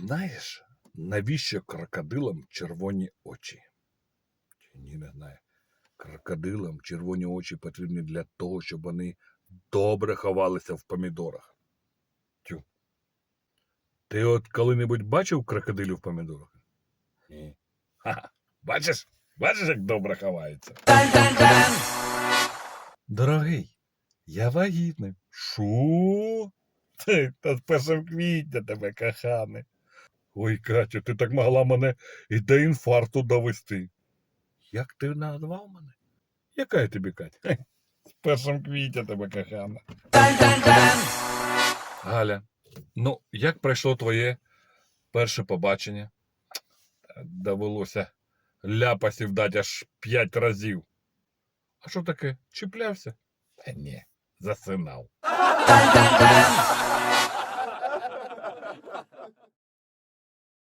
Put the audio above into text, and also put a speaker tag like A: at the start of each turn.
A: знаєш, навіщо крокодилам червоні очі? Чи ні, не знаю. Крокодилам червоні очі потрібні для того, щоб вони добре ховалися в помідорах. Тю. Ти от коли-небудь бачив крокодилів в помідорах? Ні. Ха-ха. Бачиш? Бачиш, як добре ховається? Дорогий, я вагітний. Шо? Та з 1 квітня тебе, кохане. Ой, Катю, ти так могла мене і до інфаркту довести. Як ти назвав мене? Яка я тобі, Катя? З 1 квітня тебе, кохана. Галя, ну, як пройшло твоє перше побачення? Довелося ляпасів дати аж 5 разів. А що таке? Чіплявся? Та ні, засинав.